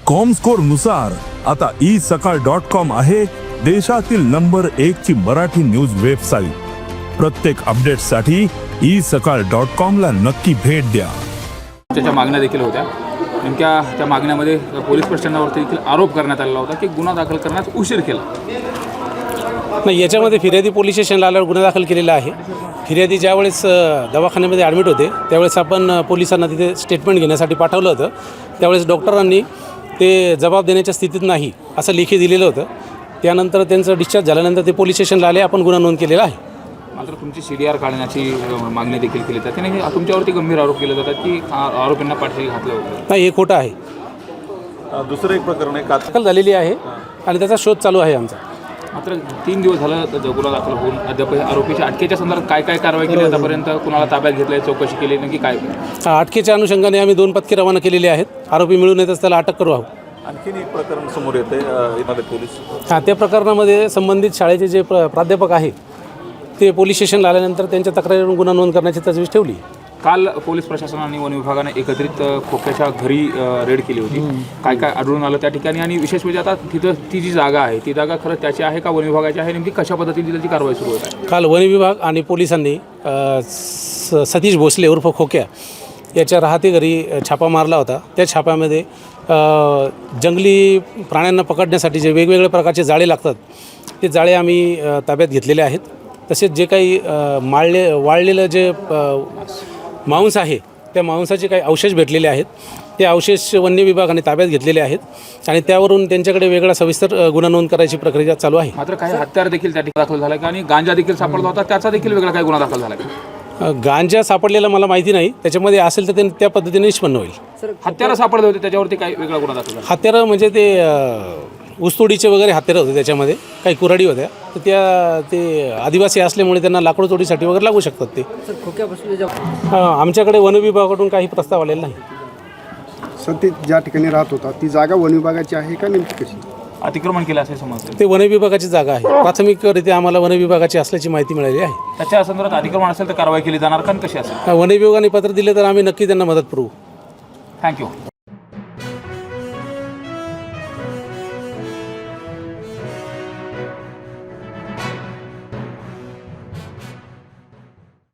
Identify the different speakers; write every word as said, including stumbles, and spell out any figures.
Speaker 1: Comscore नुसार आता E सकाळ डॉट कॉम आहे देशातील नंबर एक ची मराठी न्यूज वेबसाईट। प्रत्येक अपडेटसाठी ई सकाळ डॉट कॉम ला नक्की भेट द्या।
Speaker 2: त्याच्या मागण्या देखील होत्या। नेमक्या त्या मागण्यामध्ये पोलीस प्रशासनावरती देखील आरोप करण्यात आलेला होता की गुन्हा दाखल करण्यात उशीर केला।
Speaker 3: नाही, याच्यामध्ये फिर्यादी पोलीस स्टेशनला आल्यावर गुन्हा दाखल केलेला आहे। फिर्यादी ज्यावेळेस दवाखान्यामध्ये ॲडमिट होते त्यावेळेस आपण पोलिसांना तिथे स्टेटमेंट घेण्यासाठी पाठवलं होतं। त्यावेळेस डॉक्टरांनी ते जबाब देण्याच्या स्थितीत नाही असं लेखी दिलेलं होतं। त्यानंतर त्यांचं डिस्चार्ज झाल्यानंतर ते पोलीस स्टेशनला आले, आपण गुन्हा नोंद केलेला आहे।
Speaker 2: मात्र तुमची सी डी आर काढण्याची मागणी देखील केली जाते आणि तुमच्यावरती गंभीर आरोप केले जातात की आरोपींना पाठीशी घातलं होतं।
Speaker 3: नाही, हे खोटं आहे।
Speaker 4: दुसरं एक प्रकरण आहे,
Speaker 3: दाखल झालेली आहे आणि त्याचा शोध चालू आहे आमचा।
Speaker 2: मात्र तीन दिवस झालं गुन्हा दाखल होऊन अद्याप आरोपीच्या अटकेच्या संदर्भात काय काय कारवाई केली आतापर्यंत, कुणाला ताब्यात घेतलं, चौकशी केली, नक्की काय?
Speaker 3: अटकेच्या अनुषंगाने आम्ही दोन पथके रवाना केलेली आहेत। आरोपी मिळून येतच त्याला अटक करू आहोत।
Speaker 4: आणखीन एक प्रकरण समोर येते एखादे पोलीस
Speaker 3: हां, त्या प्रकरणामध्ये संबंधित शाळेचे जे प्र प्राध्यापक आहे ते पोलीस स्टेशनला आल्यानंतर त्यांच्या तक्रारीवरून गुन्हा नोंद करण्याची तजवीज ठेवली।
Speaker 2: काल पोलीस प्रशासन आणि वन विभागाने एकत्रित खोक्याच्या घरी रेड केली होती। काय काय आढळून आलं त्या ठिकाणी आणि विशेष म्हणजे आता तिथं ती जी जागा आहे ती जागा खरंच त्याची आहे का वन विभागाची आहे, नेमकी कशा पद्धतीने त्याची कारवाई सुरू होत आहे?
Speaker 3: काल वन विभाग आणि पोलिसांनी स सतीश भोसले उर्फ खोक्या याच्या राहते घरी छापा मारला होता। त्या छाप्यामध्ये जंगली प्राण्यांना पकडण्यासाठी जे वेगवेगळ्या प्रकारचे जाळे लागतात ते जाळे आम्ही ताब्यात घेतलेले आहेत। तसेच जे काही माळले वाळलेलं जे मांस आहे त्या मांसाचे काही अवशेष भेटलेले आहेत, ते अवशेष वन्य विभागाने ताब्यात घेतलेले आहेत आणि त्यावरून त्यांच्याकडे वेगळा सविस्तर गुन्हा नोंद करायची प्रक्रिया चालू आहे।
Speaker 2: मात्र काही हत्यार देखील त्या ठिकाणी दाखल झाला का आणि गांजा देखील सापडला होता, त्याचा देखील वेगळा काही गुन्हा दाखल झाला का?
Speaker 3: गांजा सापडलेला मला माहिती नाही, त्याच्यामध्ये असेल तर ते त्या पद्धतीने निष्पन्न होईल।
Speaker 2: हत्यारं सापडले होते त्याच्यावरती काही वेगळा गुन्हा दाखल झाला?
Speaker 3: हत्यारं म्हणजे ते ऊसतोडीचे वगैरे हत्यारं होते, त्याच्यामध्ये काही कुऱ्हाडी होत्या, तर त्या ते आदिवासी असल्यामुळे त्यांना लाकूड तोडीसाठी वगैरे लागू शकतात ते। हां, आमच्याकडे वन विभागाकडून काही प्रस्ताव आलेला नाही।
Speaker 5: सर, ते ज्या ठिकाणी राहत होता ती जागा वन विभागाची आहे का नेमकी कशी?
Speaker 2: अतिक्रमण केलं असे समजतं?
Speaker 3: ते वन विभागाची जागा आहे। प्राथमिकरित्या आम्हाला वन विभागाची असल्याची माहिती मिळाली आहे।
Speaker 2: त्याच्या संदर्भात अतिक्रमण असेल तर कारवाई केली जाणार का, कशी असेल?
Speaker 3: वन विभागाने पत्र दिले तर आम्ही नक्की त्यांना मदत करू।
Speaker 2: थँक्यू।